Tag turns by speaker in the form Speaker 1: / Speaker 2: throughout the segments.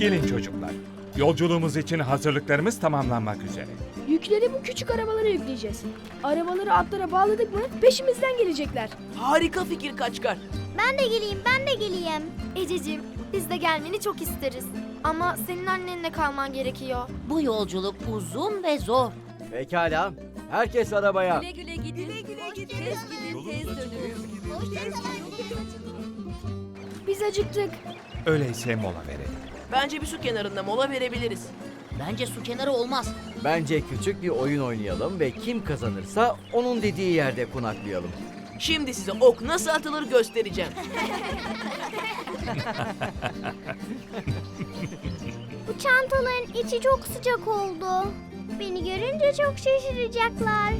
Speaker 1: Gelin çocuklar. Yolculuğumuz için hazırlıklarımız tamamlanmak üzere.
Speaker 2: Yükleri bu küçük arabalara yükleyeceğiz. Arabaları atlara bağladık mı peşimizden gelecekler.
Speaker 3: Harika fikir Kaçkar.
Speaker 4: Ben de geleyim, ben de geleyim.
Speaker 5: Ececiğim, biz de gelmeni çok isteriz. Ama senin annenle kalman gerekiyor.
Speaker 6: Bu yolculuk uzun ve zor.
Speaker 7: Pekala. Herkes arabaya.
Speaker 6: Güle güle gidin. Güle güle gidin. Tez gidin, tez dönün.
Speaker 2: Biz acıktık.
Speaker 1: Öyleyse mola verelim.
Speaker 3: Bence bir su kenarında mola verebiliriz.
Speaker 6: Bence su kenarı olmaz.
Speaker 7: Bence küçük bir oyun oynayalım ve kim kazanırsa onun dediği yerde konaklayalım.
Speaker 3: Şimdi size ok nasıl atılır göstereceğim.
Speaker 4: Bu çantaların içi çok sıcak oldu. Beni görünce çok şaşıracaklar.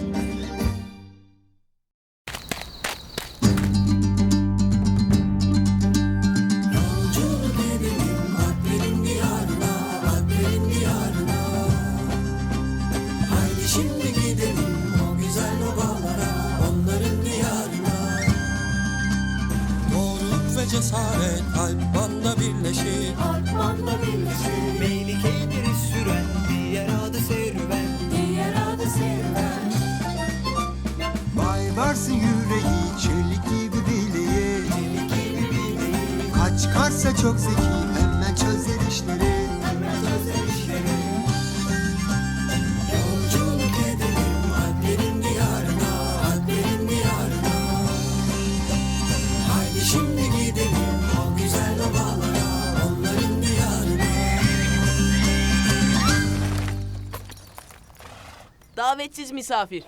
Speaker 8: Cesaret Alpman'la birleşir. Meylikeleri süren diğer adı serüven. Bayvarsın yüreği çelik gibi bileği. Kaç karsa çok zeki hemen çözer işleri. Yolculuk edelim Alplerin diyarına, Alplerin diyarına. Haydi şimdi gidelim o güzel obalara, onların diyarına.
Speaker 3: Davetsiz misafir.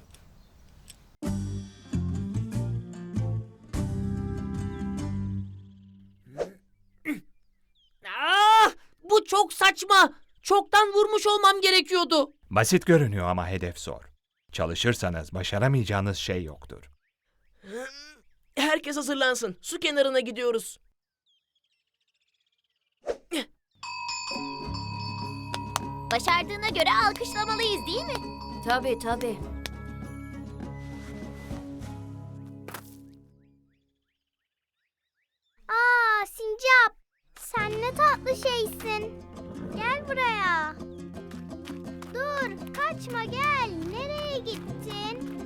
Speaker 6: Bu çok saçma. Çoktan vurmuş olmam gerekiyordu.
Speaker 1: Basit görünüyor ama hedef zor. Çalışırsanız başaramayacağınız şey yoktur.
Speaker 3: Herkes hazırlansın. Su kenarına gidiyoruz.
Speaker 4: Başardığına göre alkışlamalıyız değil mi?
Speaker 5: Tabii tabii.
Speaker 4: Aa Sincap, sen ne tatlı şeysin. Gel buraya. Dur, kaçma gel. Nereye gittin?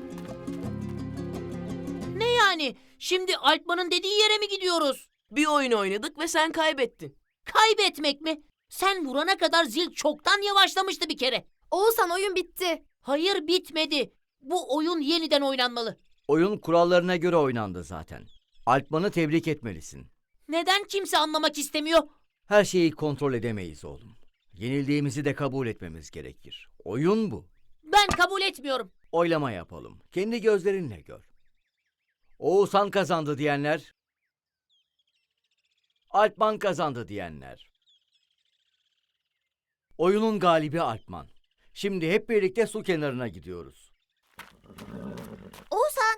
Speaker 6: Ne yani? Şimdi Alpman'ın dediği yere mi gidiyoruz?
Speaker 3: Bir oyun oynadık ve sen kaybettin.
Speaker 6: Kaybetmek mi? Sen vurana kadar zil çoktan yavaşlamıştı bir kere.
Speaker 5: Oğuzhan, oyun bitti.
Speaker 6: Hayır, bitmedi. Bu oyun yeniden oynanmalı.
Speaker 7: Oyun kurallarına göre oynandı zaten. Alpman'ı tebrik etmelisin.
Speaker 6: Neden kimse anlamak istemiyor?
Speaker 7: Her şeyi kontrol edemeyiz oğlum. Yenildiğimizi de kabul etmemiz gerekir. Oyun bu.
Speaker 6: Ben kabul etmiyorum.
Speaker 7: Oylama yapalım. Kendi gözlerinle gör. Oğuzhan kazandı diyenler. Alpman kazandı diyenler. Oyunun galibi Alpman. Şimdi hep birlikte su kenarına gidiyoruz.
Speaker 4: Oğuzhan.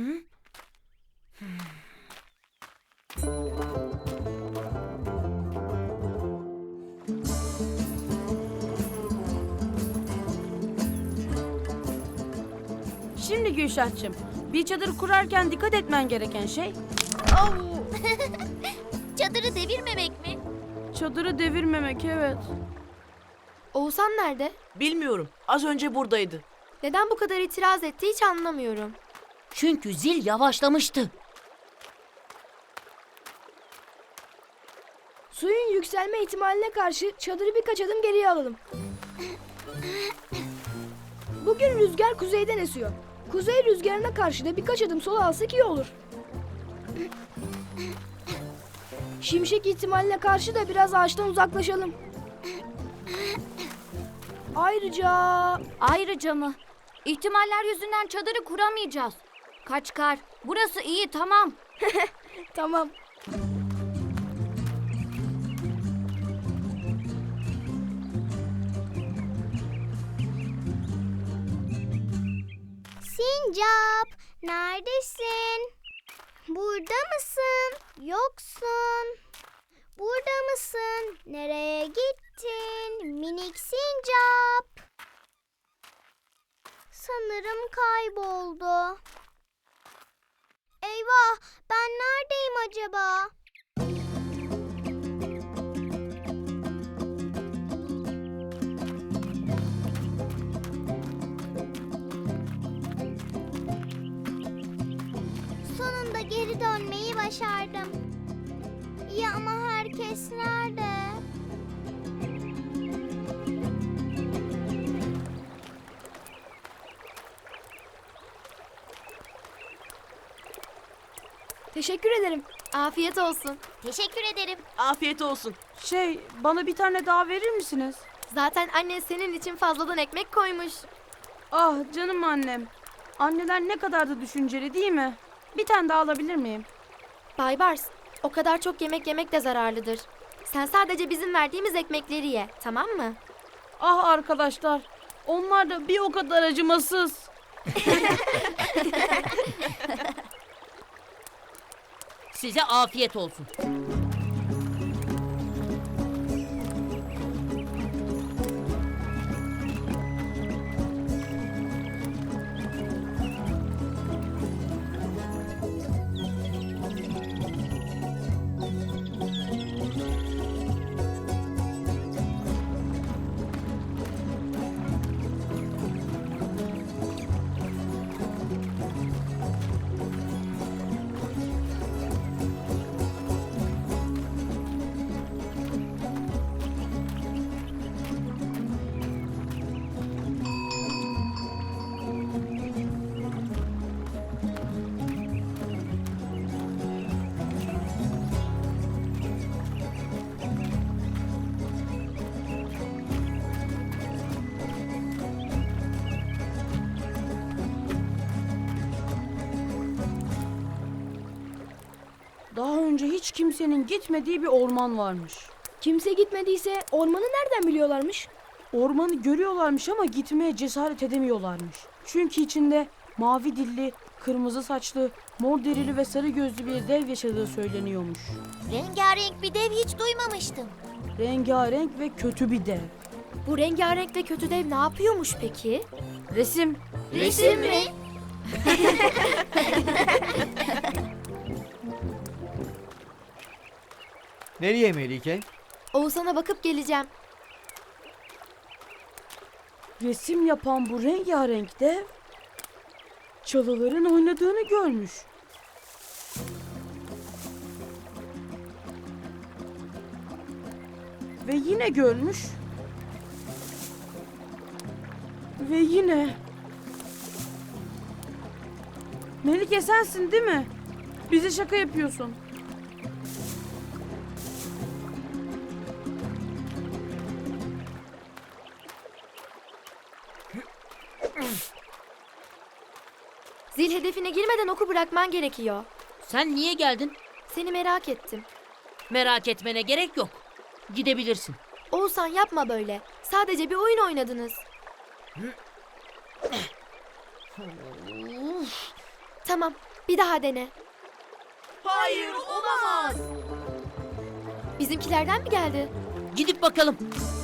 Speaker 2: Şimdi Gülşah'cığım, bir çadır kurarken dikkat etmen gereken şey...
Speaker 4: Çadırı devirmemek mi?
Speaker 2: Çadırı devirmemek, evet.
Speaker 5: Oğuzhan nerede?
Speaker 3: Bilmiyorum. Az önce buradaydı.
Speaker 5: Neden bu kadar itiraz etti hiç anlamıyorum.
Speaker 6: Çünkü zil yavaşlamıştı.
Speaker 2: Suyun yükselme ihtimaline karşı çadırı birkaç adım geriye alalım. Bugün rüzgar kuzeyden esiyor. Kuzey rüzgarına karşı da birkaç adım sola alsak iyi olur. Şimşek ihtimaline karşı da biraz ağaçtan uzaklaşalım.
Speaker 5: Ayrıca mı? İhtimaller yüzünden çadırı kuramayacağız. Kaçkar, burası iyi, tamam.
Speaker 2: Tamam.
Speaker 4: Sincap, neredesin? Burada mısın? Yoksun. Burada mısın? Nereye gittin? Minik sincap. Sanırım kayboldu. Eyvah, ben neredeyim acaba? Geri dönmeyi başardım. İyi ama herkes nerede?
Speaker 2: Teşekkür ederim.
Speaker 5: Afiyet olsun.
Speaker 4: Teşekkür ederim.
Speaker 3: Afiyet olsun.
Speaker 9: Bana bir tane daha verir misiniz?
Speaker 5: Zaten annen senin için fazladan ekmek koymuş.
Speaker 9: Ah canım annem. Anneler ne kadar da düşünceli değil mi? Bir tane daha alabilir miyim?
Speaker 5: Bay Bars, o kadar çok yemek yemek de zararlıdır. Sen sadece bizim verdiğimiz ekmekleri ye, tamam mı?
Speaker 9: Ah arkadaşlar. Onlar da bir o kadar acımasız.
Speaker 6: Size afiyet olsun.
Speaker 9: Daha önce hiç kimsenin gitmediği bir orman varmış.
Speaker 2: Kimse gitmediyse ormanı nereden biliyorlarmış?
Speaker 9: Ormanı görüyorlarmış ama gitmeye cesaret edemiyorlarmış. Çünkü içinde mavi dilli, kırmızı saçlı, mor derili ve sarı gözlü bir dev yaşadığı söyleniyormuş.
Speaker 4: Rengarenk bir dev hiç duymamıştım.
Speaker 9: Rengarenk ve kötü bir dev.
Speaker 5: Bu rengarenk ve kötü dev ne yapıyormuş peki?
Speaker 9: Resim.
Speaker 5: Resim mi?
Speaker 7: Nereye Melike?
Speaker 5: Oğuzhan'a bakıp geleceğim.
Speaker 9: Resim yapan bu rengarenk dev çalıların oynadığını görmüş. Ve yine görmüş. Ve yine. Melike sensin değil mi? Bize şaka yapıyorsun.
Speaker 5: Zil hedefine girmeden oku bırakman gerekiyor.
Speaker 6: Sen niye geldin?
Speaker 5: Seni merak ettim.
Speaker 6: Merak etmene gerek yok. Gidebilirsin.
Speaker 5: Oğuzhan yapma böyle. Sadece bir oyun oynadınız. Tamam, bir daha dene.
Speaker 3: Hayır, olamaz.
Speaker 5: Bizimkilerden mi geldi?
Speaker 6: Gidip bakalım.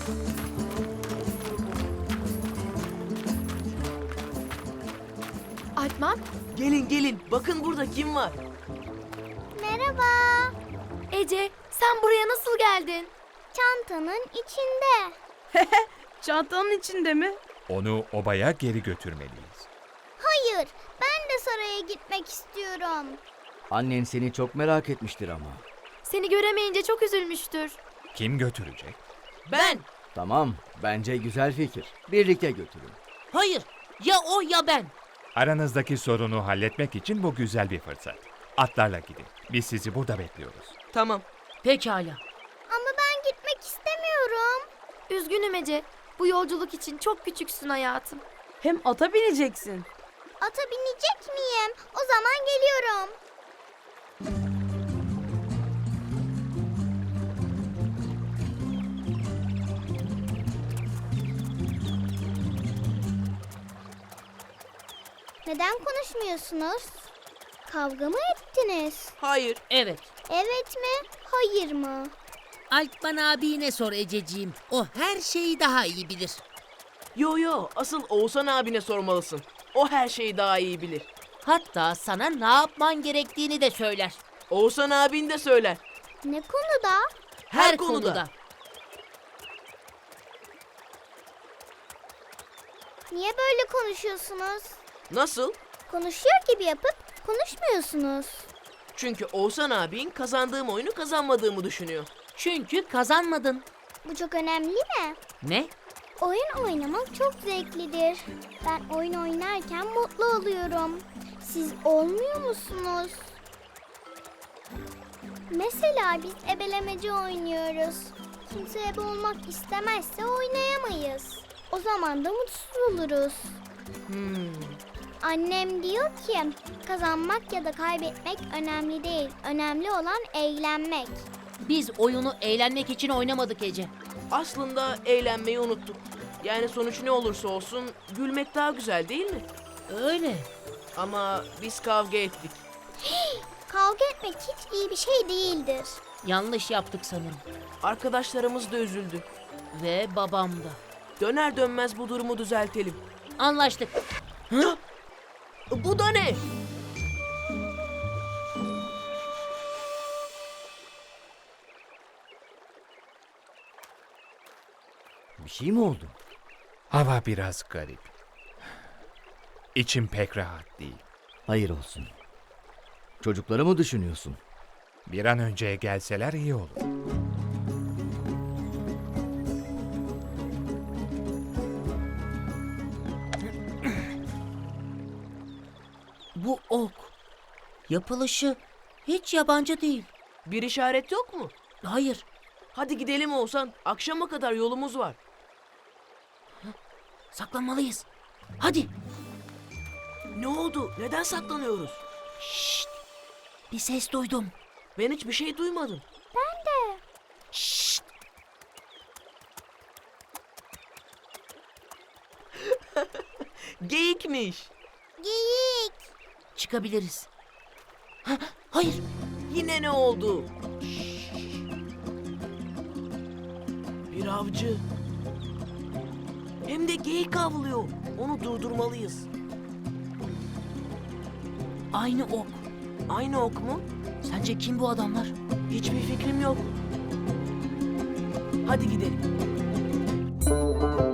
Speaker 5: Alpman,
Speaker 3: Gelin gelin, bakın burada kim var?
Speaker 4: Merhaba.
Speaker 5: Ece, sen buraya nasıl geldin?
Speaker 4: Çantanın içinde.
Speaker 9: Çantanın içinde mi?
Speaker 1: Onu obaya geri götürmeliyiz.
Speaker 4: Hayır, ben de saraya gitmek istiyorum.
Speaker 7: Annen seni çok merak etmiştir ama.
Speaker 5: Seni göremeyince çok üzülmüştür.
Speaker 1: Kim götürecek?
Speaker 3: Ben.
Speaker 7: Tamam, bence güzel fikir. Birlikte götürün.
Speaker 6: Hayır. Ya o ya ben.
Speaker 1: Aranızdaki sorunu halletmek için bu güzel bir fırsat. Atlarla gidin. Biz sizi burada bekliyoruz.
Speaker 3: Tamam.
Speaker 6: Pekala.
Speaker 4: Ama ben gitmek istemiyorum.
Speaker 5: Üzgünüm Ece. Bu yolculuk için çok küçüksün hayatım.
Speaker 9: Hem ata bineceksin.
Speaker 4: Ata binecek miyim? O zaman geliyorum. Neden konuşmuyorsunuz? Kavga mı ettiniz?
Speaker 3: Hayır.
Speaker 6: Evet.
Speaker 4: Evet mi? Hayır mı?
Speaker 6: Alpman abine sor Ececiğim. O her şeyi daha iyi bilir.
Speaker 3: Yo, asıl Oğuzhan abine sormalısın. O her şeyi daha iyi bilir.
Speaker 6: Hatta sana ne yapman gerektiğini de söyler.
Speaker 3: Oğuzhan abin de söyler.
Speaker 4: Ne konuda?
Speaker 3: Her konuda.
Speaker 4: Niye böyle konuşuyorsunuz?
Speaker 3: Nasıl?
Speaker 4: Konuşuyor gibi yapıp konuşmuyorsunuz.
Speaker 3: Çünkü Oğuzhan abin kazandığım oyunu kazanmadığımı düşünüyor.
Speaker 6: Çünkü kazanmadın.
Speaker 4: Bu çok önemli mi?
Speaker 6: Ne?
Speaker 4: Oyun oynamak çok zevklidir. Ben oyun oynarken mutlu oluyorum. Siz olmuyor musunuz? Mesela biz ebelemeci oynuyoruz. Kimse ebe olmak istemezse oynayamayız. O zaman da mutsuz oluruz. Annem diyor ki kazanmak ya da kaybetmek önemli değil. Önemli olan eğlenmek.
Speaker 6: Biz oyunu eğlenmek için oynamadık Ece.
Speaker 3: Aslında eğlenmeyi unuttuk. Yani sonuç ne olursa olsun gülmek daha güzel değil mi?
Speaker 6: Öyle.
Speaker 3: Ama biz kavga ettik.
Speaker 4: Kavga etmek hiç iyi bir şey değildir.
Speaker 6: Yanlış yaptık sanırım.
Speaker 3: Arkadaşlarımız da üzüldü.
Speaker 6: Ve babam da.
Speaker 3: Döner dönmez bu durumu düzeltelim.
Speaker 6: Anlaştık.
Speaker 3: Bu da ne?
Speaker 7: Bir şey mi oldu?
Speaker 1: Hava biraz garip. İçim pek rahat değil.
Speaker 7: Hayır olsun. Çocukları mı düşünüyorsun?
Speaker 1: Bir an önce gelseler iyi olur.
Speaker 6: Bu ok. Yapılışı hiç yabancı değil.
Speaker 3: Bir işaret yok mu?
Speaker 6: Hayır.
Speaker 3: Hadi gidelim Oğuzhan. Akşama kadar yolumuz var.
Speaker 6: Saklanmalıyız. Hadi.
Speaker 3: Ne oldu? Neden saklanıyoruz?
Speaker 6: Şşt. Bir ses duydum.
Speaker 3: Ben hiçbir şey duymadım.
Speaker 6: Şşt.
Speaker 3: Geyikmiş.
Speaker 4: Geyik.
Speaker 6: Çıkabiliriz. Hayır.
Speaker 3: Yine ne oldu? Bir avcı. Hem de geyik avlıyor. Onu durdurmalıyız.
Speaker 6: Aynı ok.
Speaker 3: Aynı ok mu?
Speaker 6: Sence kim bu adamlar?
Speaker 3: Hiçbir fikrim yok. Hadi gidelim.